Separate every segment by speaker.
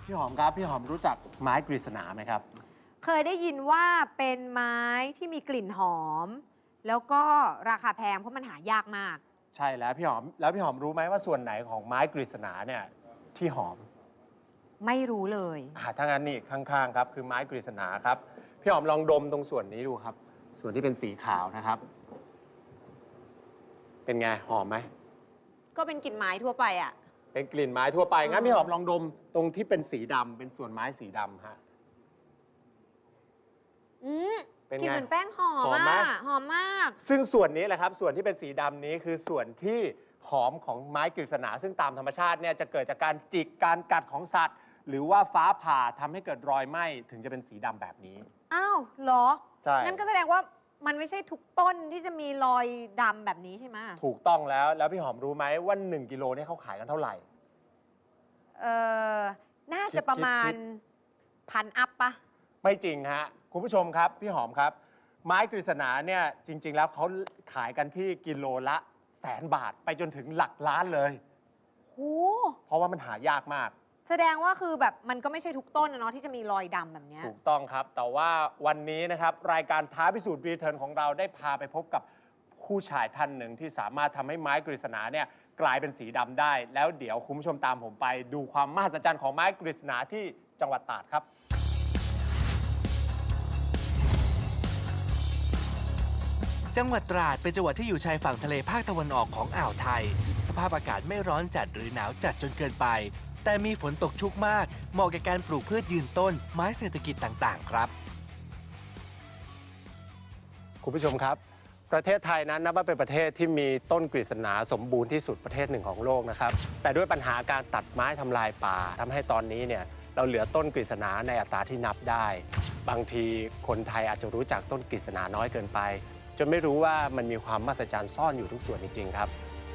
Speaker 1: พี่หอมครับพี่หอมรู้จักไม้กฤษณาไหมครับ
Speaker 2: เคยได้ยินว่าเป็นไม้ที่มีกลิ่นหอม แล้วก็ราคาแพงเพราะมันหายากมาก
Speaker 1: ใช่แล้วพี่หอมรู้ไหมว่าส่วนไหนของไม้กฤษณาเนี่ยที่หอม
Speaker 2: ไม่รู้เลย
Speaker 1: ถ้างั้นนี่ข้างๆครับคือไม้กฤษณาครับพี่หอมลองดมตรงส่วนนี้ดูครับ ส่วนที่เป็นสีขาวนะครับ เป็นไงหอมไหม
Speaker 3: ก็เป็นกลิ่นไม้ทั่วไปอ่ะ
Speaker 1: เป็นกลิ่นไม้ทั่วไปงั้นพี่หอมลองดมตรงที่เป็นสีดำเป็นส่วนไม้สีดำฮะ เป็น
Speaker 3: กลิ่น
Speaker 1: ไง
Speaker 3: เหมือนแป้งหอ
Speaker 1: ห
Speaker 3: ม
Speaker 1: อมไหม
Speaker 3: อ่ะหอมมาก
Speaker 1: ซึ่งส่วนนี้แหละครับส่วนที่เป็นสีดำนี้คือส่วนที่หอมของไม้กฤษณาซึ่งตามธรรมชาติเนี่ยจะเกิดจากการจิกการกัดของสัตว์ หรือว่าฟ้าผ่าทำให้เกิดรอยไหม้ถึงจะเป็นสีดำแบบนี้
Speaker 2: อ้าวเหรอ
Speaker 1: ใช่
Speaker 2: งั้นก็แสดงว่ามันไม่ใช่ทุกต้นที่จะมีรอยดำแบบนี้ใช่ไหม
Speaker 1: ถูกต้องแล้วพี่หอมรู้ไหมว่า1กิโลเนี่ยเขาขายกันเท่าไหร่
Speaker 2: เออน่าจะประมาณ
Speaker 1: คิด
Speaker 2: พันอัพปะ
Speaker 1: ไม่จริงฮะคุณผู้ชมครับพี่หอมครับ ไม้กฤษณาเนี่ยจริง ๆ แล้วเขาขายกันที่กิโลละ100,000 บาทไปจนถึงหลักล้านเลย
Speaker 2: โห
Speaker 1: เพราะว่ามันหายากมาก
Speaker 2: แสดงว่าคือแบบมันก็ไม่ใช่ทุกต้นนะเนาะที่จะมีรอยดำแบบเนี้ย
Speaker 1: ถูกต้องครับ แต่ว่าวันนี้นะครับรายการท้าพิสูจน์รีเทิร์นของเราได้พาไปพบกับผู้ชายท่านหนึ่งที่สามารถทำให้ไม้กฤษณาเนี่ยกลายเป็นสีดำได้ แล้วเดี๋ยวคุณผู้ชมตามผมไปดูความมหัศจรรย์ของไม้กฤษณาที่จังหวัดตราดครับ
Speaker 4: จังหวัดตราดเป็นจังหวัดที่อยู่ชายฝั่งทะเลภาคตะวันออกของอ่าวไทย สภาพอากาศไม่ร้อนจัดหรือหนาวจัดจนเกินไป แต่มีฝนตกชุกมาก เหมาะกับการปลูกพืชยืนต้น ไม้เศรษฐกิจต่างๆ ครับ
Speaker 1: คุณผู้ชมครับ ประเทศไทยนั้นนับว่าเป็นประเทศที่มีต้นกฤษณาสมบูรณ์ที่สุดประเทศหนึ่งของโลกนะครับ แต่ด้วยปัญหาการตัดไม้ทำลายป่าทำให้ตอนนี้เนี่ยเราเหลือต้นกฤษณาในอัตราที่นับได้ บางทีคนไทยอาจจะรู้จักต้นกฤษณาน้อยเกินไป จนไม่รู้ว่ามันมีความมหัศจรรย์ซ่อนอยู่ทุกส่วนจริงๆครับ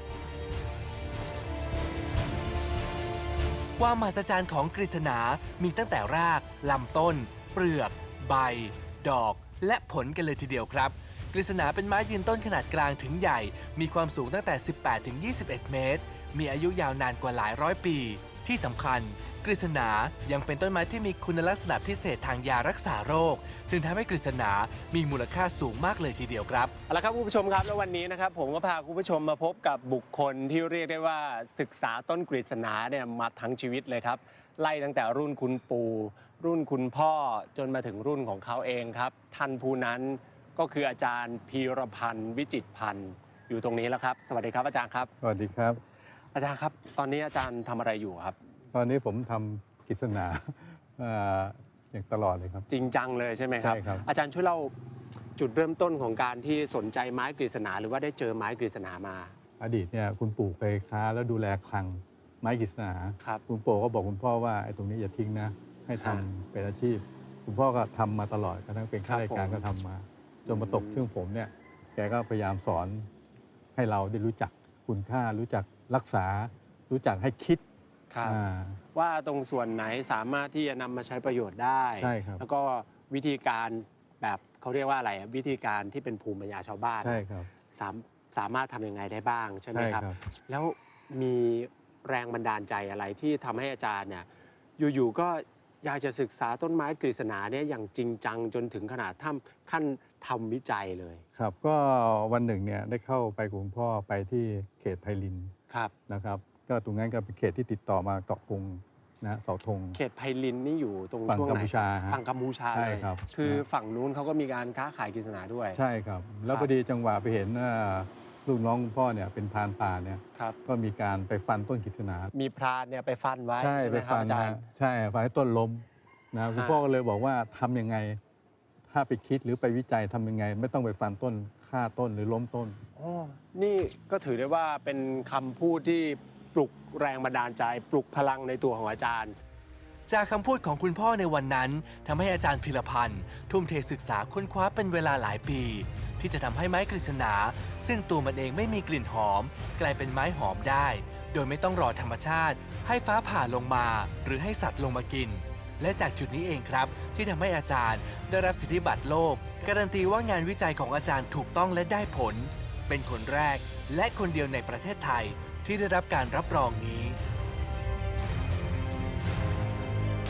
Speaker 4: ความมหัศจรรย์ของกฤษณา มีตั้งแต่ราก ลำต้น เปลือก ใบ ดอก และผลกันเลยทีเดียวครับ กฤษณาเป็นไม้ยืนต้นขนาดกลางถึงใหญ่ มีความสูงตั้งแต่ 18-21 เมตร มีอายุยาวนานกว่าหลายร้อยปี ที่สำคัญ กฤษณา ยังเป็นต้นไม้ที่มีคุณลักษณะพิเศษทางยารักษาโรค จึงทำให้กฤษณา มีมูลค่าสูงมากเลยทีเดียวครับ
Speaker 1: เอาละครับคุณผู้ชมครับแล้ววันนี้นะครับผมก็พาคุณผู้ชมมาพบกับบุคคลที่เรียกได้ว่าศึกษาต้นกฤษณาเนี่ยมาทั้งชีวิตเลยครับไล่ตั้งแต่รุ่นคุณปู่รุ่นคุณพ่อจนมาถึงรุ่นของเขาเองครับท่านผู้นั้นก็คืออาจารย์พีรพันธ์วิจิตรพันธ์อยู่ตรงนี้แล้วครับสวัสดีครับอาจารย์ครับ
Speaker 5: สวัสดีครับ
Speaker 1: อาจารย์ครับ ตอนนี้อาจารย์ทำอะไรอยู่ครับ
Speaker 5: ตอนนี้ผมทำกฤษณาอย่างตลอดเลยครับ
Speaker 1: จริงจังเลยใช่ไหมครับ
Speaker 5: ใช่ครับ
Speaker 1: อาจารย์ช่วยเล่าจุดเริ่มต้นของการที่สนใจไม้กฤษณาหรือว่าได้เจอไม้กฤษณามา
Speaker 5: อดีตเนี่ยคุณปู่เคยค้าแล้วดูแลคลังไม้กฤษณา
Speaker 1: ครับ
Speaker 5: คุณปู่ก็บอกคุณพ่อว่าไอ้ตรงนี้อย่าทิ้งนะ ให้ทำ
Speaker 1: อ่า
Speaker 5: เป็นอาชีพ คุณพ่อก็ทำมาตลอดกระทั่งเป็นข้าราชการ
Speaker 1: ผม
Speaker 5: ก็ทำมา จนมาตกช่วงผมเนี่ยแกก็พยายามสอนให้เราได้รู้จักคุณค่ารู้จักรักษา รู้จักให้คิด
Speaker 1: ครับ
Speaker 5: อ่า
Speaker 1: ว่าตรงส่วนไหนสามารถที่จะนำมาใช้ประโยชน์ได้
Speaker 5: ใช่ครับ
Speaker 1: แล้วก็วิธีการแบบเขาเรียกว่าอะไรอะวิธีการที่เป็นภูมิปัญญาชาวบ้าน
Speaker 5: ใช่ครับ
Speaker 1: สามารถทำยังไงได้บ้างใช่ไหม
Speaker 5: ใช่
Speaker 1: ครับ
Speaker 5: ครับ
Speaker 1: แล้วมีแรงบันดาลใจอะไรที่ทำให้อาจารย์เนี่ยอยู่ๆก็อยากจะศึกษาต้นไม้กฤษณาเนี่ยอย่างจริงจังจนถึงขนาดขั้นทำวิจัยเลย
Speaker 5: ครับก็วันหนึ่งเนี่ยได้เข้าไปกับคุณพ่อไปที่เขตไพลิน
Speaker 1: ครับ
Speaker 5: นะครับก็ตรงนั้นก็เป็นเขตที่ติดต่อมาเกาะกรุงนะเสาธง
Speaker 1: เขตไพลินนี่อยู่ตรง
Speaker 5: ฝั่ง
Speaker 1: ช่วง
Speaker 5: กัม
Speaker 1: ไหน
Speaker 5: พูชาฮะ
Speaker 1: ฝั่งกัมพูชา
Speaker 5: ใช่
Speaker 1: เลย
Speaker 5: ครับ
Speaker 1: คือ
Speaker 5: นะ
Speaker 1: ฝั่งนู้นเขาก็มีการค้าขายกฤษณาด้วย
Speaker 5: ใช่ครับ แล้ว
Speaker 1: ครับ
Speaker 5: พอดีจังหวะไปเห็นลูกน้องคุณพ่อเนี่ยเป็นพรานป่าเนี่ย
Speaker 1: ครับ
Speaker 5: ก็มีการไปฟันต้นกฤษณา
Speaker 1: มีพรานเนี่ยไปฟันไว้
Speaker 5: ใช่
Speaker 1: ไห
Speaker 5: ไป
Speaker 1: มครับ
Speaker 5: ฟัน
Speaker 1: อาจาร
Speaker 5: นะ
Speaker 1: ย์
Speaker 5: ใช่ฟันให้ต้นล้มนะคุณ
Speaker 1: ฮะ
Speaker 5: พ่อก็เลยบอกว่าทำยังไง ถ้าไปคิดหรือไปวิจัยทำยังไง ไม่ต้องไปฟันต้นฆ่าต้นหรือล้มต้น
Speaker 1: อ๋อนี่ก็ถือได้ว่าเป็นคำพูดที่ปลุกแรงบันดาลใจ ปลุกพลังในตัวของอาจารย์
Speaker 4: จากคำพูดของคุณพ่อในวันนั้นทำให้อาจารย์พิรพันธ์ทุ่มเทศึกษาค้นคว้าเป็นเวลาหลายปี ที่จะทำให้ไม้กฤษณา ซึ่งตัวมันเองไม่มีกลิ่นหอม กลายเป็นไม้หอมได้ โดยไม่ต้องรอธรรมชาติ ให้ฟ้าผ่าลงมา หรือให้สัตว์ลงมากิน และจากจุดนี้เองครับ ที่ทำให้อาจารย์ได้รับสิทธิบัตรโลก การันตีว่างานวิจัยของอาจารย์ถูกต้องและได้ผล เป็นคนแรกและคนเดียวในประเทศไทยที่ได้รับการรับรองนี้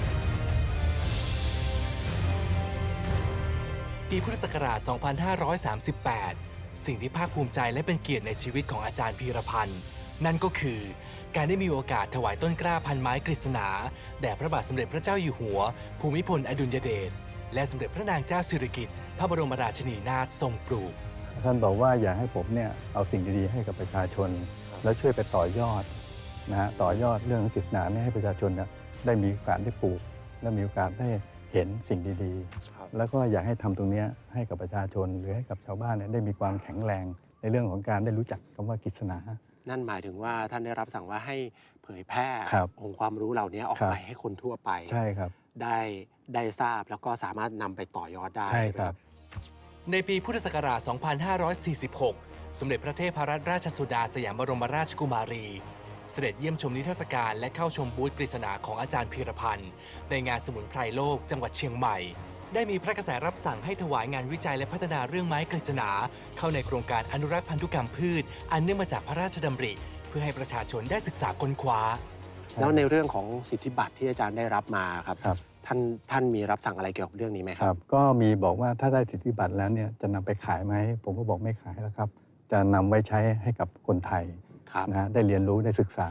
Speaker 4: ปีพุทธศักราช 2538 สิ่งที่ภาคภูมิใจและเป็นเกียรติในชีวิตของอาจารย์พีรพันธ์นั่นก็คือการได้มีโอกาสถวายต้นกล้าพันไม้กฤษณาแด่พระบาทสมเด็จพระเจ้าอยู่หัวภูมิพลอดุลยเดชและสมเด็จพระนางเจ้าสิริกิติ์พระบรมราชินีนาถทรงปลูก
Speaker 5: ท่านบอกว่าอยากให้ผมเนี่ยเอาสิ่งดีๆให้กับประชาชน แล้วช่วยไปต่อยอดนะฮะต่อยอดเรื่องของกฤษณาเนี่ยให้ประชาชนเนี่ยได้มีโอกาสได้ปลูก และมีโอกาสได้เห็นสิ่งดีๆ แล้วก็อยากให้ทำตรงนี้ให้กับประชาชนหรือให้กับชาวบ้านเนี่ยได้มีความแข็งแรงในเรื่องของการได้รู้จักคำว่ากฤษณา
Speaker 1: นั่นหมายถึงว่าท่านได้รับสั่งว่าให้เผยแพร่
Speaker 5: ครับ
Speaker 1: องค์ความรู้เหล่านี้ออก
Speaker 5: ครับ
Speaker 1: ไปให้คนทั่วไป
Speaker 5: ใช่ครับ
Speaker 1: ได้ทราบแล้วก็สามารถนำไปต่อยอดได้
Speaker 5: ใช่
Speaker 1: ใช่ไหม
Speaker 5: ค
Speaker 1: ค
Speaker 5: รั
Speaker 1: รับ บ
Speaker 4: ในปีพุทธศักราช 2546 สมเด็จพระเทพรัตนราชสุดาสยามบรมราชกุมารี เสด็จเยี่ยมชมนิทรรศการและเข้าชมบูธกฤษณาของอาจารย์พีรพันธ์ในงานสมุนไพรโลกจังหวัดเชียงใหม่ ได้มีพระกระแสรับสั่งให้ถวายงานวิจัยและพัฒนาเรื่องไม้กฤษณาเข้าในโครงการอนุรักษ์พันธุกรรมพืช อันเนื่องมาจากพระราชดำริ เพื่อให้ประชาชนได้ศึกษาค้นคว้า
Speaker 1: แล้วในเรื่องของสิทธิบัตรที่อาจารย์ได้รับมาครับ
Speaker 5: ครับ
Speaker 1: ท่านมีรับสั่งอะไรเกี่ยวกับเรื่องนี้ไหมค
Speaker 5: ครับ รับก็มีบอกว่าถ้าได้สิทธิบัตรแล้วเนี่ยจะนำไปขายไหมผมก็บอกไม่ขายแล้วครับ จะนำไว้ใช้ให้กับคนไทย
Speaker 1: ครับ
Speaker 5: นะฮะได้เรียนรู้ได้ศึกษา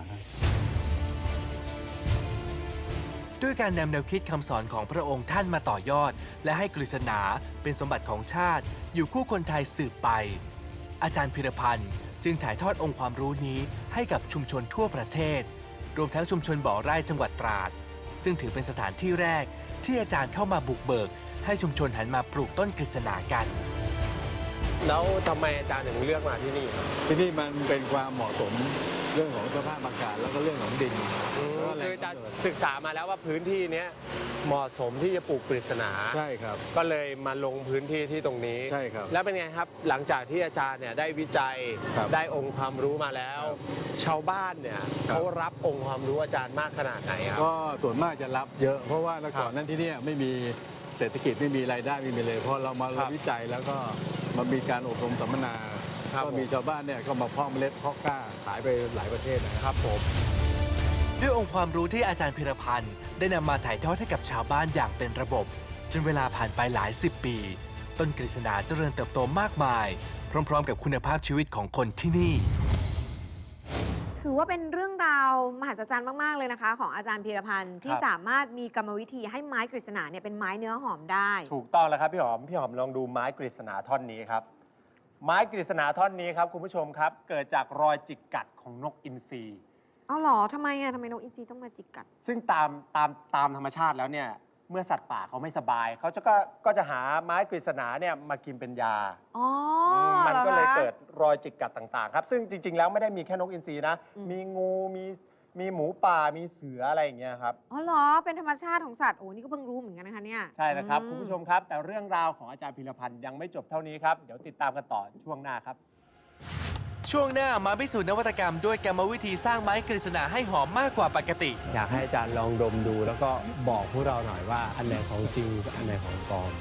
Speaker 4: ด้วยการนำแนวคิดคำสอนของพระองค์ท่านมาต่อยอด และให้กฤษณาเป็นสมบัติของชาติ อยู่คู่คนไทยสืบไป อาจารย์พีรพันธ์จึงถ่ายทอดองค์ความรู้นี้ให้กับชุมชนทั่วประเทศ รวมทั้งชุมชนบ่อไร่จังหวัดตราด ซึ่งถือเป็นสถานที่แรกที่อาจารย์เข้ามาบุกเบิก ให้ชุมชนหันมาปลูกต้นกฤษณากัน
Speaker 1: แล้วทำไมอาจารย์ถึงเลือกมาที่นี่ครับ
Speaker 5: ที่นี่มันเป็นความเหมาะสมเรื่องของสภาพอากาศแล้วก็เรื่องของดิน
Speaker 1: คืออาจารย์ศึกษามาแล้วว่าพื้นที่เนี้ยเหมาะสมที่จะปลูกกฤษณา
Speaker 5: ใช่ครับ
Speaker 1: ก็เลยมาลงพื้นที่ที่ตรงนี้
Speaker 5: ใช่ครับ
Speaker 1: แล้วเป็นไงครับ หลังจากที่อาจารย์เนี่ยได้วิจัย
Speaker 5: ครับ
Speaker 1: ได้องค์ความรู้มาแล้ว ชาวบ้านเนี่ย
Speaker 5: ครับ
Speaker 1: เขารับองค์ความรู้อาจารย์มากขนาดไหนครับ
Speaker 5: ก็ส่วนมากจะรับเยอะ เพราะว่าเมื่อก่อน
Speaker 1: ครับ
Speaker 5: นั้นที่เนี่ยไม่มีเศรษฐกิจไม่มีรายได้ไม่มีเลยพอเรามา
Speaker 1: ครับ
Speaker 5: วิจัยแล้วก็มามีการอบรมสัมมนา
Speaker 1: ครับ
Speaker 5: ก็มีชาวบ้านเนี่ยก็มาเพาะเมล็ดเพาะกล้าขายไปหลายประเทศนะครับ
Speaker 1: ผม
Speaker 4: ด้วยองค์ความรู้ที่อาจารย์พิรพันธ์ได้นำมาถ่ายทอดให้กับชาวบ้านอย่างเป็นระบบ จนเวลาผ่านไปหลายสิบปี ต้นกฤษณาเจริญเติบโตมากมาย พร้อมๆ กับคุณภาพชีวิตของคนที่นี่
Speaker 2: ถือว่าเป็นเรื่องราวมหัศจรรย์มาก ๆ เลยนะคะ ของอาจารย์พีรพันธ์ที่
Speaker 1: ครับ
Speaker 2: สามารถมีกรรมวิธีให้ไม้กฤษณาเนี่ยเป็นไม้เนื้อหอมได้
Speaker 1: ถูกต้องแล้วครับพี่หอม พี่หอมลองดูไม้กฤษณาท่อนนี้ครับ ไม้กฤษณาท่อนนี้ครับคุณผู้ชมครับ เกิดจากรอยจิกกัดของนกอินทรี
Speaker 2: เอาเหรอทำไมอ่ะทำไมนกอินทรีต้องมาจิกกัด
Speaker 1: ซึ่งตามธรรมชาติแล้วเนี่ยเมื่อสัตว์ป่าเขาไม่สบายเขาก็จะหาไม้กฤษณาเนี่ยมากินเป็นยา
Speaker 2: อ๋อ
Speaker 1: มัน
Speaker 2: หรอ
Speaker 1: ก็เลย
Speaker 2: คะ
Speaker 1: เกิดรอยจิกกัดต่างๆครับ ซึ่งจริง ๆ แล้วไม่ได้มีแค่นกอินทรีนะ
Speaker 2: อืม
Speaker 1: มีงูมีหมูป่ามีเสืออะไรอย่างเงี้ยครับ
Speaker 2: อ๋อเหรอเป็นธรรมชาติของสัตว์โอ้นี่ก็เพิ่งรู้เหมือนกันนะคะเนี่ย
Speaker 1: ใช่นะครับ
Speaker 2: อื
Speaker 1: คุณผู้ชมครับ แต่เรื่องราวของอาจารย์พีรพันธ์ยังไม่จบเท่านี้ครับ เดี๋ยวติดตามกันต่อช่วงหน้าครับ
Speaker 4: ช่วงหน้ามาพิสูจน์นวัตกรรมด้วยกรรมวิธีสร้างไม้กฤษณาให้หอมมากกว่าปกติ
Speaker 1: อยากให้อาจารย์ลองดมดู แล้วก็บอกพวกเราหน่อยว่าอันไหนของจริงอันไหนของปลอม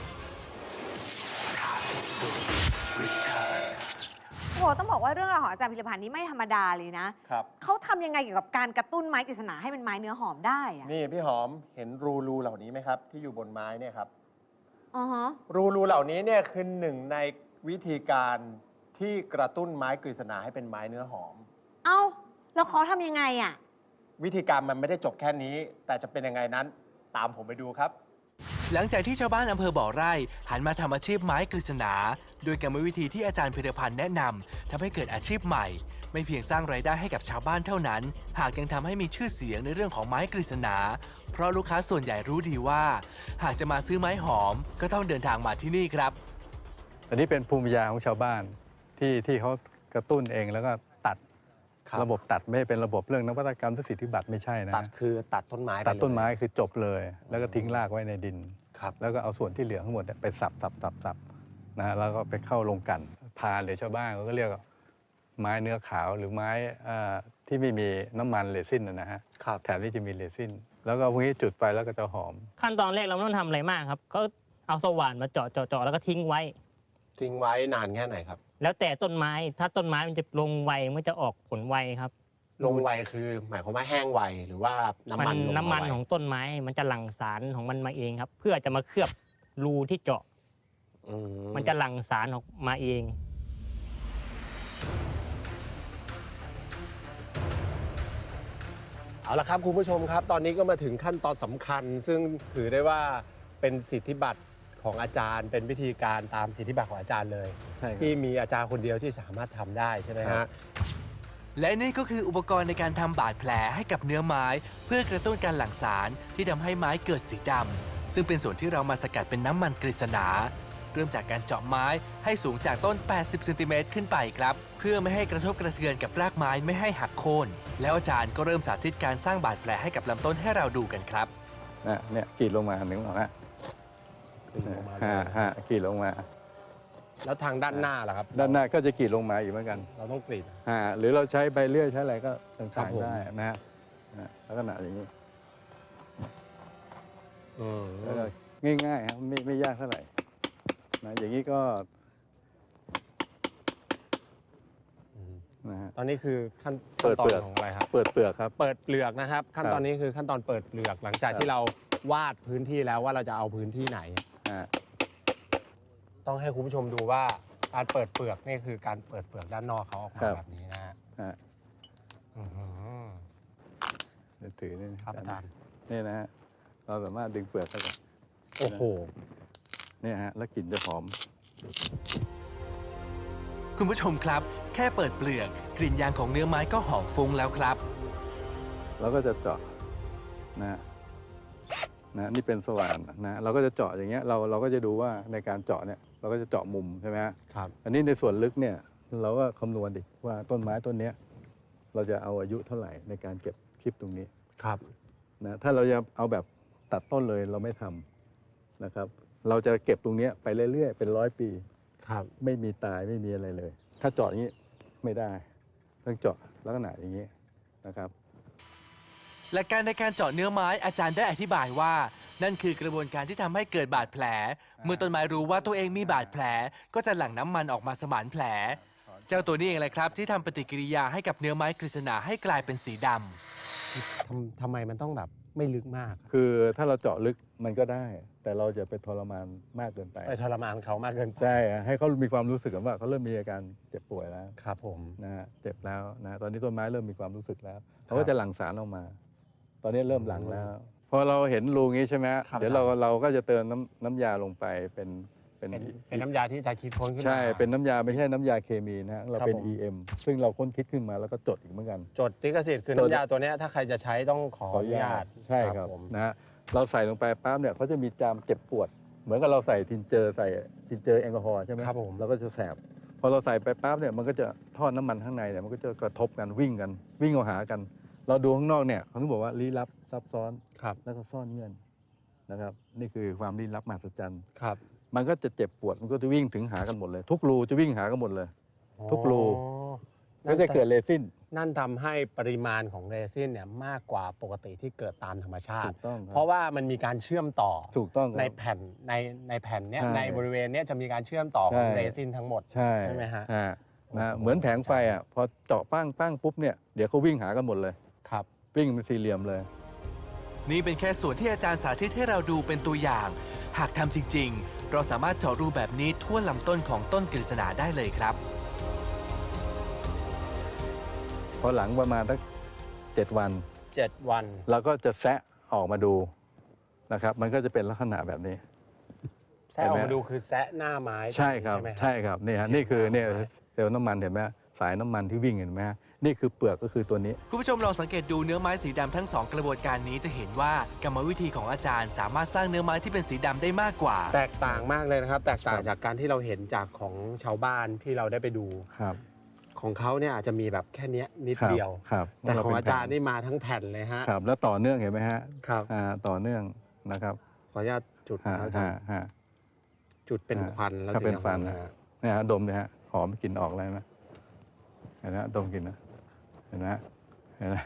Speaker 2: โอ้โหต้องบอกว่าเรื่องราวของอาจารย์พิรพันธ์นี่ไม่ธรรมดาเลยนะครับ เขาทำยังไงเกี่ยวกับการกระตุ้นไม้กฤษณาให้เป็นไม้เนื้อหอมได้อะ
Speaker 1: นี่พี่หอมเห็นรูเหล่านี้ไหมครับ ที่อยู่บนไม้เนี่ยครับ
Speaker 2: อ๋อฮะ
Speaker 1: รูเหล่านี้เนี่ยคือหนึ่งในวิธีการที่กระตุ้นไม้กฤษณาให้เป็นไม้เนื้อหอม
Speaker 2: เอ้าแล้วเขาทำยังไงอ่ะ
Speaker 1: วิธีการมันไม่ได้จบแค่นี้ แต่จะเป็นยังไงนั้นตามผมไปดูครับ
Speaker 4: หลังจากที่ชาวบ้านอำเภอบ่อไร่หันมาทำอาชีพไม้กฤษณาโดยกรรมวิธีที่อาจารย์พิรพันธ์แนะนำทำให้เกิดอาชีพใหม่ ไม่เพียงสร้างรายได้ให้กับชาวบ้านเท่านั้น หากยังทำให้มีชื่อเสียงในเรื่องของไม้กฤษณาเพราะลูกค้าส่วนใหญ่รู้ดีว่า หากจะมาซื้อไม้หอมก็ต้องเดินทางมาที่นี่ครับ
Speaker 5: อันนี้เป็นภูมิปัญญาของชาวบ้านที่เขากระตุ้นเองแล้วก็ตัด
Speaker 1: ครับ
Speaker 5: ระบบตัดไม่เป็นระบบเรื่องนวัตกรรมทสิทธิบัตรไม่ใช่นะ
Speaker 1: ตัดคือตัดต้นไม้ไป
Speaker 5: ตัดต้นไม้
Speaker 1: เลย
Speaker 5: คือจบเลย แล้วก็ทิ้งรากไว้ในดิน
Speaker 1: ครับ
Speaker 5: แล้วก็เอาส่วนที่เหลือทั้งหมดเนี่ยไปสับนะฮะแล้วก็ไปเข้าลงกลั่นพานหรือชาวบ้านเขาก็เรียกว่าไม้เนื้อขาวหรือไม้ที่ไม่มีน้ำมันเรซินนะฮะ
Speaker 1: ครับ
Speaker 5: แถมที่จะมีเรซินแล้วก็พวกนี้จุดไฟแล้วก็จะหอม
Speaker 6: ขั้นตอนแรกเราไม่ต้องทำอะไรมากครับเขาเอาสว่านมาเจาะแล้วก็ทิ้งไว้
Speaker 1: ทิ้งไว้นานแค่ไหนครับ
Speaker 6: แล้วแต่ต้นไม้ถ้าต้นไม้มันจะลงไวมันจะออกผลไวครับ
Speaker 1: ลงไวคือหมายความว่าแห้งไวหรือว่าน้ำมันลง
Speaker 6: น้ำมัน
Speaker 1: ไว
Speaker 6: ของต้นไม้มันจะหลั่งสารของมันมาเองครับ เพื่อจะมาเคลือบรูที่เจาะมันจะหลั่งสารออกมาเอง
Speaker 1: เอาละครับคุณผู้ชมครับ ตอนนี้ก็มาถึงขั้นตอนสำคัญ ซึ่งถือได้ว่าเป็นสิทธิบัตรของอาจารย์ เป็นวิธีการตามสิทธิบัตรของอาจารย์เลย
Speaker 5: ใช่ครับ
Speaker 1: ที่มีอาจารย์คนเดียวที่สามารถทำได้ใช่ไหม
Speaker 5: ครั
Speaker 1: ฮะ
Speaker 5: บ
Speaker 4: และนี่ก็คืออุปกรณ์ในการทำบาดแผลให้กับเนื้อไม้ เพื่อกระตุ้นการหลั่งสารที่ทำให้ไม้เกิดสีดำซึ่งเป็นส่วนที่เรามาสกัดเป็นน้ำมันกฤษณาเริ่มจากการเจาะไม้ให้สูงจากต้น 80 เซนติเมตรขึ้นไปครับ เพื่อไม่ให้กระทบกระเทือนกับรากไม้ไม่ให้หักโค่นแล้วอาจารย์ก็เริ่มสาธิตการสร้างบาดแผลให้กับลำต้นให้เราดูกันครับ
Speaker 5: เนี่ยกรีดลงมาหนึ่งหรอฮะ
Speaker 1: ขึ้นลงมาเลย
Speaker 5: กรีดลงมา
Speaker 1: แล้วทางด้านหน้าล่ะครับ
Speaker 5: ด้านหน้าก็จะกรีดลงมาอีกเหมือนกัน
Speaker 1: เราต้องกรีด
Speaker 5: หรือเราใช้ใบเลื่อยใช้อะไรก็
Speaker 1: ครั
Speaker 5: ต่า
Speaker 1: บ
Speaker 5: ง
Speaker 1: ผม
Speaker 5: ๆได้นะฮะลักษณะอย่างนี้แล้วก็ง่ายๆครับไม่ยากเท่าไหร่นะอย่างนี้ก็นะฮะ
Speaker 1: ตอนนี้คือขั้น
Speaker 5: เปิด
Speaker 1: ตอ
Speaker 5: เปลื
Speaker 1: น
Speaker 5: อก
Speaker 1: ของอะไรครับ
Speaker 5: เปิดเปลือกครับ
Speaker 1: เปิดเปลือกนะครับ ขั้นตอน
Speaker 5: ครับ
Speaker 1: นี้คือขั้นตอนเปิดเปลือกหลังจาก
Speaker 5: ครับ
Speaker 1: ที่เราวาดพื้นที่แล้วว่าเราจะเอาพื้นที่ไหน
Speaker 5: อ่า
Speaker 1: ต้องให้คุณผู้ชมดูว่าการเปิดเปลือกนี่คือการเปิดเปลือกด้านนอกเขาออกมาแบบนี้นะฮะ
Speaker 5: ฮะ
Speaker 1: อื้อหือ
Speaker 5: เดี๋ยวถือนี่นะครับ
Speaker 1: อาจารย์
Speaker 5: นี่นะฮะเราสามารถดึงเปลือกเข้าไป
Speaker 1: โอ้โห
Speaker 5: เนี่ยฮะแล้วกลิ่นจะหอม
Speaker 4: คุณผู้ชมครับ แค่เปิดเปลือกกลิ่นยางของเนื้อไม้ก็หอมฟุ้งแล้วครับ
Speaker 5: เราก็จะเจาะนะนี่เป็นสว่านนะเราก็จะเจาะอย่างเงี้ยเราก็จะดูว่าในการเจาะเนี่ยเราก็จะเจาะมุมใช่ไหมฮะ
Speaker 1: ครับ
Speaker 5: อันนี้ในส่วนลึกเนี่ยเราก็คำนวณดิว่าต้นไม้ต้นเนี้ยเราจะเอาอายุเท่าไหร่ในการเก็บคลิปตรงนี้
Speaker 1: ครับ
Speaker 5: นะถ้าเราจะเอาแบบตัดต้นเลยเราไม่ทำนะครับ เราจะเก็บตรงเนี้ยไปเรื่อยๆเป็น100 ปี
Speaker 1: ครับ
Speaker 5: ไม่มีตายไม่มีอะไรเลย ถ้าเจาะอย่างนี้ไม่ได้ต้องเจาะลักษณะอย่างนี้นะครับ
Speaker 4: หลักการในการเจาะเนื้อไม้อาจารย์ได้อธิบายว่า นั่นคือกระบวนการที่ทำให้เกิดบาดแผล เมื่อต้นไม้รู้ว่าตัวเองมีบาดแผล ก็จะหลั่งน้ำมันออกมาสมานแผล เจ้าตัวนี้เองแหละครับที่ทำปฏิกิริยาให้กับเนื้อไม้กฤษณาให้กลายเป็นสีดำ
Speaker 1: ทำไมมันต้องแบบไม่ลึกมาก
Speaker 5: คือถ้าเราเจาะลึกมันก็ได้ แต่เราจะไปทรมานมากเกินไป
Speaker 1: ไปทรมานเขามากเกินไป
Speaker 5: ใช่ให้เขามีความรู้สึกว่าเขาเริ่มมีอาการเจ็บป่วยแล้ว
Speaker 1: ครับผม
Speaker 5: นะฮะเจ็บแล้วนะตอนนี้ต้นไม้เริ่มมีความรู้สึกแล้วเขาก็จะหลั่งสารออกมา ตอนนี้เริ่มหลั่งแล้ว พอเราเห็นรูงี้ใช่ไหม
Speaker 1: ครับ
Speaker 5: เดี๋ยวเราก็จะเติมน้ำยาลงไปเป็น
Speaker 1: เป็นน้ำยาที่จะคิดค้นขึ้นมา
Speaker 5: ใช่เป็นน้ำยาไม่ใช่น้ำยาเคมีนะฮะเราเป็น
Speaker 1: ครับผม
Speaker 5: EM ซึ่งเราค้นคิดขึ้นมาแล้วก็จดอีกเหมือนกัน
Speaker 1: จดลิขสิทธิ์คือ
Speaker 5: จด
Speaker 1: น้ำยาตัวเนี้ยถ้าใครจะใช้ต้องขออนุญาต
Speaker 5: ใช่ครับ
Speaker 1: ผม
Speaker 5: นะฮะเราใส่ลงไปปั๊บเนี่ยเขาจะมีจามเจ็บปวด เหมือนกับเราใส่ทินเจอร์แอลกอฮอล์ใช่ไหม
Speaker 1: ครับผม
Speaker 5: เราก็จะแสบพอเราใส่ไปปั๊บเนี่ยมันก็จะทอดน้ำมันข้างในเนี่ยมันก็จะกระทบกันวิ่งเอาหากัน เราดูข้างนอกเนี่ยเขาถึงบอกว่าลี้ลับซับซ้อน
Speaker 1: ครับ
Speaker 5: แล้วก็ซ่อนเงื่อนนะครับ นี่คือความลี้ลับมหัศจรรย์
Speaker 1: ครับ
Speaker 5: มันก็จะเจ็บปวดมันก็จะวิ่งถึงหากันหมดเลย ทุกรูจะวิ่งหากันหมดเลย ทุกรู
Speaker 1: อ๋อ
Speaker 5: ก็จะเกิดเรซิน
Speaker 1: นั่นทำให้ปริมาณของเรซินเนี่ยมากกว่าปกติที่เกิดตามธรรมชา
Speaker 5: ถู
Speaker 1: ติ
Speaker 5: กต้องคบ
Speaker 1: เพราะว่ามันมีการเชื่อมต่อ
Speaker 5: ถูกต้องครับ
Speaker 1: ในแผ่นในแผ่นเนี้ย
Speaker 5: ใช่
Speaker 1: ในบริเวณเนี้ยจะมีการเชื่อมต่อของ
Speaker 5: ใช่
Speaker 1: เรซินทั้งหมด
Speaker 5: ใช่
Speaker 1: ใช่ไหมฮะ
Speaker 5: นะ
Speaker 1: โอ้โห
Speaker 5: เหมือนแผงไฟอ่ะพอเจาะปั้งปุ๊บเนี่ยเดี๋ยวเขาวิ่งหากันหมดเลย
Speaker 1: ครับ
Speaker 5: วิ่งเป็นสี่เหลี่ยมเลย
Speaker 4: นี่เป็นแค่ส่วนที่อาจารย์สาธิตให้เราดูเป็นตัวอย่าง หากทำจริง ๆ เราสามารถเจาะรูแบบนี้ทั่วลำต้นของต้นกฤษณาได้เลยครับ
Speaker 5: พอหลังประมาณสัก7 วัน
Speaker 1: 7 วัน
Speaker 5: เราก็จะแซะออกมาดูนะครับ มันก็จะเป็นลักษณะแบบนี้
Speaker 1: แซะออกมาดูคือแซะหน้าไม้
Speaker 5: ใช่ครับ
Speaker 1: ไหม
Speaker 5: ใช่ครับนี่ฮะนี่คือเนี่ย
Speaker 1: หน้าไม้
Speaker 5: เซลล์น้ำมันเห็นไหมสายน้ำมันที่วิ่งเห็นไหมฮะนี่คือเปลือกก็คือตัวนี้
Speaker 4: คุณผู้ชมลองสังเกตดูเนื้อไม้สีดำทั้ง 2 กระบวนการนี้จะเห็นว่ากรรมวิธีของอาจารย์สามารถสร้างเนื้อไม้ที่เป็นสีดำได้มากกว่า
Speaker 1: แตกต่างมากเลยนะครับ แตกต่าง
Speaker 5: ครับ
Speaker 1: จากการที่เราเห็นจากของชาวบ้านที่เราได้ไปดู
Speaker 5: ครับ
Speaker 1: ของเขาเนี่ยอาจจะมีแบบแค่เนี้ยนิด
Speaker 5: ครับ
Speaker 1: เดียว
Speaker 5: ครับ
Speaker 1: แต่ของอาจารย์
Speaker 5: เ
Speaker 1: นี่มาทั้งแผ่นเลยฮะ
Speaker 5: ครับแล้วต่อเนื่องเห็นไหมฮะ
Speaker 1: ครับ
Speaker 5: ต่อเนื่องนะครับ
Speaker 1: ขออนุญาตจุดนะครับอาจารย์
Speaker 5: ฮะ
Speaker 1: จุดเป็นควันแล้ว
Speaker 5: ถ้าเป็น
Speaker 1: ถึงจะ
Speaker 5: ควัน
Speaker 1: หอม
Speaker 5: นะ
Speaker 1: ฮะ
Speaker 5: เนี่ยฮะดมเลยฮะหอมกลิ่นออกเลยไหมเห็นไหมดมกลิ่นนะเห็นไหมเห็นไหม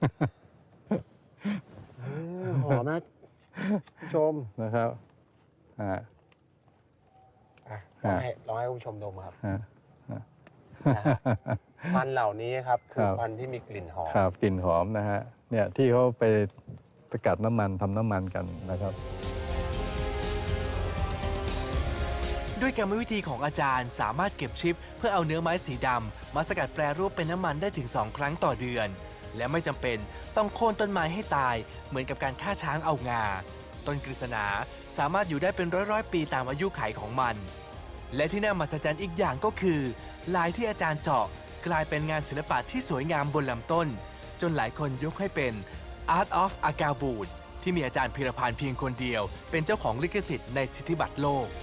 Speaker 1: หอมนะผู้ชม
Speaker 5: นะครับอ่า
Speaker 1: อ่ะ
Speaker 5: ฮะ
Speaker 1: ลองให้คุณผู้ชมดมครับ
Speaker 5: ฮะ
Speaker 1: นะฮะควันเหล่านี้ครับคือ
Speaker 5: ครับ
Speaker 1: ควันที่มีกลิ่นหอม
Speaker 5: ครับกลิ่นหอมนะฮะเนี่ยที่เขาไปสกัดน้ำมันทำน้ำมันกันนะครับ
Speaker 4: ด้วยกรรมวิธีของอาจารย์สามารถเก็บชิปเพื่อเอาเนื้อไม้สีดำมาสกัดแปรรูปเป็นน้ำมันได้ถึง 2 ครั้งต่อเดือน และไม่จำเป็นต้องโค่นต้นไม้ให้ตายเหมือนกับการฆ่าช้างเอางา ต้นกฤษณาสามารถอยู่ได้เป็นร้อยๆปีตามอายุขัยของมัน และที่น่ามหัศจรรย์อีกอย่างก็คือลายที่อาจารย์เจาะกลายเป็นงานศิลปะที่สวยงามบนลำต้นจนหลายคนยกให้เป็น Art of Agawud ที่มีอาจารย์พีรพันธ์เพียงคนเดียวเป็นเจ้าของลิขสิทธิ์ในสิทธิบัตรโลก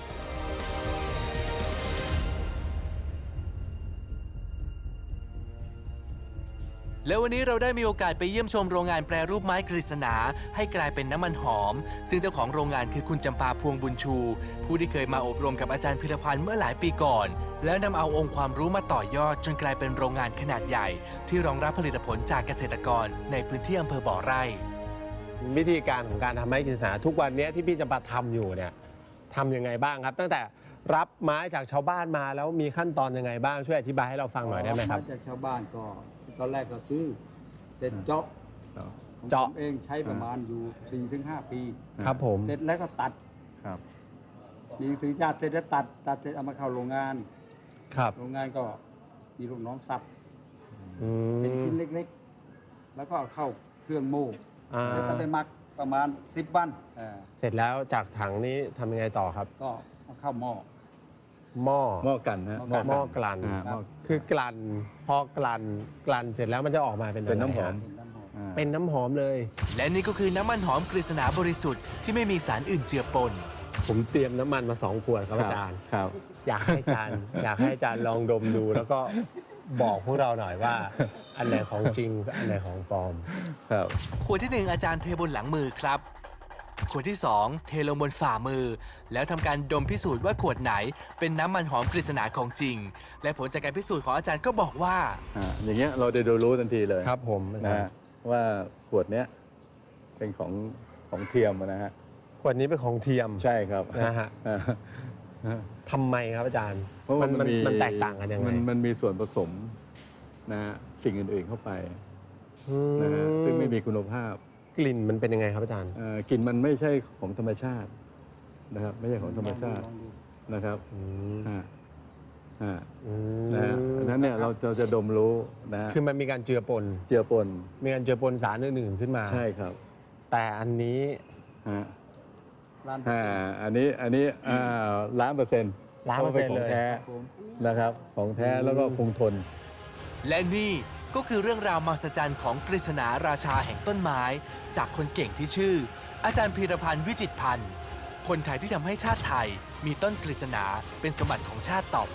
Speaker 4: แล้ววันนี้เราได้มีโอกาสไปเยี่ยมชมโรงงานแปรรูปไม้กฤษณาให้กลายเป็นน้ำมันหอมซึ่งเจ้าของโรงงานคือคุณจำปาพวงบุญชู ผู้ที่เคยมาอบรมกับอาจารย์พิรพันธ์เมื่อหลายปีก่อนแล้วนำเอาองค์ความรู้มาต่อยอดจนกลายเป็นโรงงานขนาดใหญ่ที่รองรับผลิตผลจากเกษตรกรในพื้นที่อำเภอบ่อไร่
Speaker 1: วิธีการของการทำไม้กฤษณาทุกวันนี้ที่พี่จำปาทำอยู่เนี่ยทำยังไงบ้างครับ ตั้งแต่รับไม้จากชาวบ้านมาแล้วมีขั้นตอนยังไงบ้างช่วยอธิบายให้เราฟังหน่อยได้ไหมครับ
Speaker 7: าจากชาวบ้านก็ตอนแรกก็ซื้อเสร็จเจาะของ
Speaker 1: เจาะ
Speaker 7: ผมเองใช้ประมาณอยู่ 4-5 ปี
Speaker 1: ครับผม
Speaker 7: เสร็จแล้วก็ตัด
Speaker 5: ครับ
Speaker 7: มีหนังสือญาติเสร็จแล้วตัดเสร็จเอามาเข้าโรงงาน
Speaker 1: ครับ
Speaker 7: โรงงานก็มีลูกน้องสับ
Speaker 1: อื
Speaker 7: เป็น
Speaker 1: ม
Speaker 7: ชิ้นเล็กๆ แล้วก็เอาเข้าเครื่องโม่
Speaker 1: อ่า
Speaker 7: แล้วก็ไปหมักประมาณ10 วัน
Speaker 1: เสร็จแล้วจากถังนี้ทำยังไงต่อครับ
Speaker 7: ก็เอาเข้าหม้อ
Speaker 1: หม้อ
Speaker 5: หม้อกันฮะ
Speaker 7: หม้อ
Speaker 1: หม้อกลั่น
Speaker 5: หม้อ
Speaker 1: คือกลั่นพอกลั่นเสร็จแล้วมันจะออกมาเป็น
Speaker 5: เป็นน้ำหอม
Speaker 1: ะไรฮะ
Speaker 7: เป็นน้ำหอม
Speaker 1: เป็นน้ำหอมเลย
Speaker 4: และนี่ก็คือน้ำมันหอมกฤษณาบริสุทธิ์ที่ไม่มีสารอื่นเจือปน
Speaker 1: ผมเตรียมน้ำมันมา2 ขวดครับอาจารย์
Speaker 5: ครับ
Speaker 1: อยากให้อาจารย์ อยากให้อาจารย์ลองดมดู แล้วก็บอกพวกเราหน่อยว่า อันไหนของจริงกับอันไหนของปลอม
Speaker 5: ครับ
Speaker 4: ขวดที่ 1 อาจารย์เทบนหลังมือครับ ขวดที่ 2 เทลงบนฝ่ามือ แล้วทำการดมพิสูจน์ว่าขวดไหนเป็นน้ำมันหอมกฤษณาของจริง และผลจากการพิสูจน์ของอาจารย์ก็บอกว่า
Speaker 5: อย่างเงี้ยเราจะรู้ทันทีเลย
Speaker 1: ครับผม
Speaker 5: นะฮะว่าขวดเนี้ยเป็นของเทียมนะฮะ
Speaker 1: ขวดนี้เป็นของเทียม
Speaker 5: ใช่ครับ
Speaker 1: นะฮะ
Speaker 5: อ่า
Speaker 1: ทำไมครับอาจารย์
Speaker 5: เพราะว่ามัน
Speaker 1: แตกต่างกันยังไง
Speaker 5: มันมีส่วนผสมนะฮะสิ่งอื่นๆเข้าไป
Speaker 1: อืม
Speaker 5: นะฮะซึ่งไม่มีคุณภาพ
Speaker 1: กลิ่นมันเป็นยังไงครับอาจารย์
Speaker 5: กลิ่นมันไม่ใช่ของธรรมชาตินะครับไม่ใช่ของธรรมชาติ
Speaker 7: ลองดู
Speaker 5: นะครับ
Speaker 1: อืม
Speaker 5: อ่าอ่า
Speaker 1: อืม
Speaker 5: นะฮะอันนั้นเนี่ยเราจะดมรู้นะฮะ
Speaker 1: คือมันมีการเจือปน
Speaker 5: เจือปน
Speaker 1: มีการเจือปนสารอื่นๆขึ้นมา
Speaker 5: ใช่ครับ
Speaker 1: แต่อันนี้
Speaker 5: ฮะ
Speaker 7: ร้าน
Speaker 5: อันนี้1,000,000%
Speaker 1: 1,000,000%
Speaker 5: ของแท้
Speaker 7: ผม
Speaker 5: นะครับของแท้แล้วก็คงทน
Speaker 4: และนี่ก็คือเรื่องราวมหัศจรรย์ของกฤษณาราชาแห่งต้นไม้ จากคนเก่งที่ชื่อ อาจารย์พีรพันธ์วิจิตรพันธ์คนไทยที่ทำให้ชาติไทยมีต้นกฤษณาเป็นสมบัติของชาติต่อไป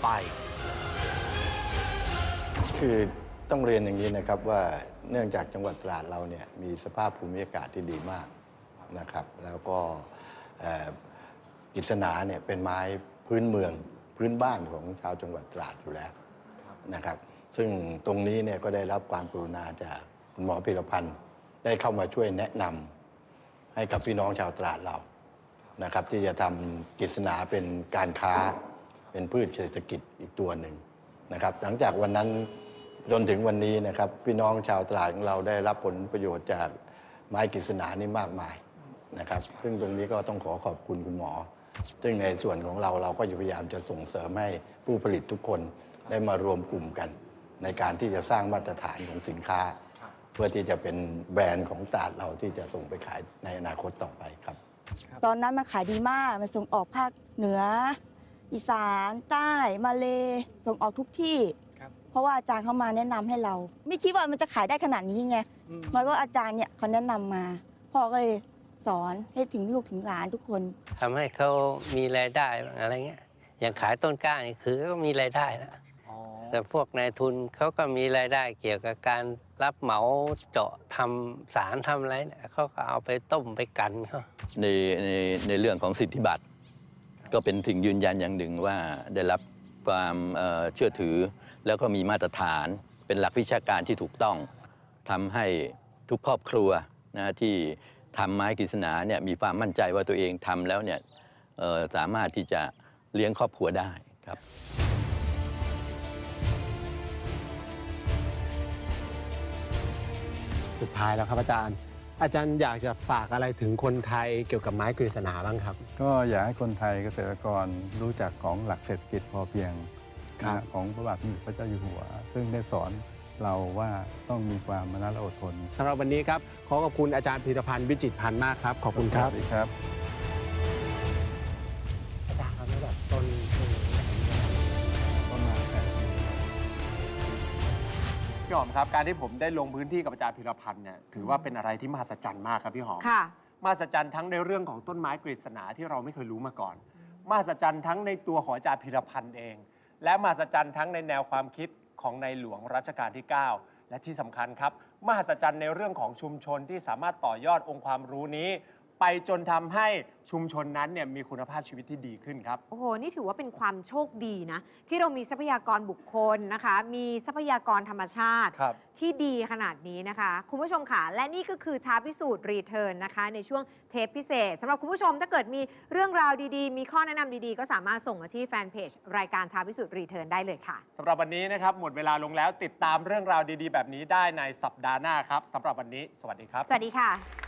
Speaker 8: คือต้องเรียนอย่างนี้นะครับว่าเนื่องจากจังหวัดตราดเราเนี่ยมีสภาพภูมิอากาศที่ดีมากนะครับ แล้วก็กฤษณาเนี่ยเป็นไม้พื้นเมืองพื้นบ้านของชาวจังหวัดตราดอยู่แล้วนะครับ ซึ่งตรงนี้เนี่ยก็ได้รับความกรุณาจากคุณหมอพีรพันธ์ได้เข้ามาช่วยแนะนำให้กับพี่น้องชาวตราดเรานะครับ ที่จะทำกฤษณาเป็นการค้าเป็นพืชเศรษฐกิจอีกตัวหนึ่งนะครับ หลังจากวันนั้นจนถึงวันนี้นะครับพี่น้องชาวตราดของเราได้รับผลประโยชน์จากไม้กฤษณานี่มากมายนะครับ ซึ่งตรงนี้ก็ต้องขอขอบคุณคุณหมอ ซึ่งในส่วนของเราก็พยายามจะส่งเสริมให้ผู้ผลิตทุกคนได้มารวมกลุ่มกัน ในการที่จะสร้างมาตรฐานของสินค้า เพื่อที่จะเป็นแบรนด์ของตราดเราที่จะส่งไปขายในอนาคตต่อไปครับ
Speaker 9: ตอนนั้นมันขายดีมาก มันส่งออกภาคเหนือ อีสาน ใต้ มาเลส่งออกทุกที่ เพราะว่าอาจารย์เขามาแนะนำให้เรา ไม่คิดว่ามันจะขายได้ขนาดนี้ไงมันก็อาจารย์เนี่ยเขาแนะนำมา พ่อก็เลยสอนให้ถึงลูกถึงหลานทุกคน
Speaker 10: ทำให้เขามีรายได้บ้างอะไรเงี้ย อย่างขายต้นกล้านี่คือก็มีรายได้แล้วแต่พวกนายทุนเขาก็มีรายได้เกี่ยวกับการรับเหมาเจาะทำสารทำอะไรเนี่ยเขาก็เอาไปต้มไปกันเขา
Speaker 11: ในเรื่องของสิทธิบัตรก็เป็นสิ่งยืนยันอย่างหนึ่งว่าได้รับความเชื่อถือ แล้วก็มีมาตรฐานเป็นหลักวิชาการที่ถูกต้องทำให้ทุกครอบครัวนะที่ทำไม้กฤษณาเนี่ยมีความมั่นใจว่าตัวเองทำแล้วเนี่ยสามารถที่จะเลี้ยงครอบครัวได้ครับ
Speaker 1: สุดท้ายแล้วครับอาจารย์อาจารย์อยากจะฝากอะไรถึงคนไทยเกี่ยวกับไม้กฤษณาบ้างครับ
Speaker 5: ก็อยากให้คนไทยเกษตรกรรู้จักของหลักเศรษฐกิจพอเพียง
Speaker 1: ครับ
Speaker 5: ของพระบาทสมเด็จพระเจ้าอยู่หัว ซึ่งได้สอนเราว่าต้องมีความมนัสและอดทน
Speaker 1: สำหรับวันนี้ครับขอขอบคุณอาจารย์พีรพันธ์วิจิตรพันธ์มากครับขอบคุณครับ
Speaker 5: สวัสดีครับ
Speaker 1: อาจารย์ครับแล้วแบบต้น
Speaker 5: ต้นไม้แปลก
Speaker 1: พี่หอมครับการที่ผมได้ลงพื้นที่กับอาจารย์พีรพันธ์เนี่ยถือว่าเป็นอะไรที่มหัศจรรย์มากครับพี่หอม
Speaker 2: ค่ะ
Speaker 1: มหัศจรรย์ทั้งในเรื่องของต้นไม้กฤษณาที่เราไม่เคยรู้มาก่อนมหัศจรรย์ทั้งในตัวของอาจารย์พีรพันธ์เอง และมหัศจรรย์ทั้งในแนวความคิดของในหลวงรัชกาลที่ 9 และที่สำคัญครับมหัศจรรย์ในเรื่องของชุมชนที่สามารถต่อยอดองค์ความรู้นี้ ไปจนทำให้ชุมชนนั้นเนี่ยมีคุณภาพชีวิตที่ดีขึ้นครับ
Speaker 2: โอ้โห นี่ถือว่าเป็นความโชคดีนะ ที่เรามีทรัพยากรบุคคลนะคะ มีทรัพยากรธรรมชาติ
Speaker 1: ครับ
Speaker 2: ที่ดีขนาดนี้นะคะ คุณผู้ชมค่ะ และนี่ก็คือท้าพิสูจน์รีเทิร์นนะคะ ในช่วงเทปพิเศษสำหรับคุณผู้ชมถ้าเกิดมีเรื่องราวดีๆ มีข้อแนะนำดีๆ ก็สามารถส่งมาที่แฟนเพจรายการท้าพิสูจน์รีเทิร์นได้เลยค่ะ
Speaker 1: สำหรับวันนี้นะครับหมดเวลาลงแล้วติดตามเรื่องราวดีๆ แบบนี้ได้ในสัปดาห์หน้าครับสำหรับวันนี้สวัสดีครับ
Speaker 2: สวัสดีค่ะ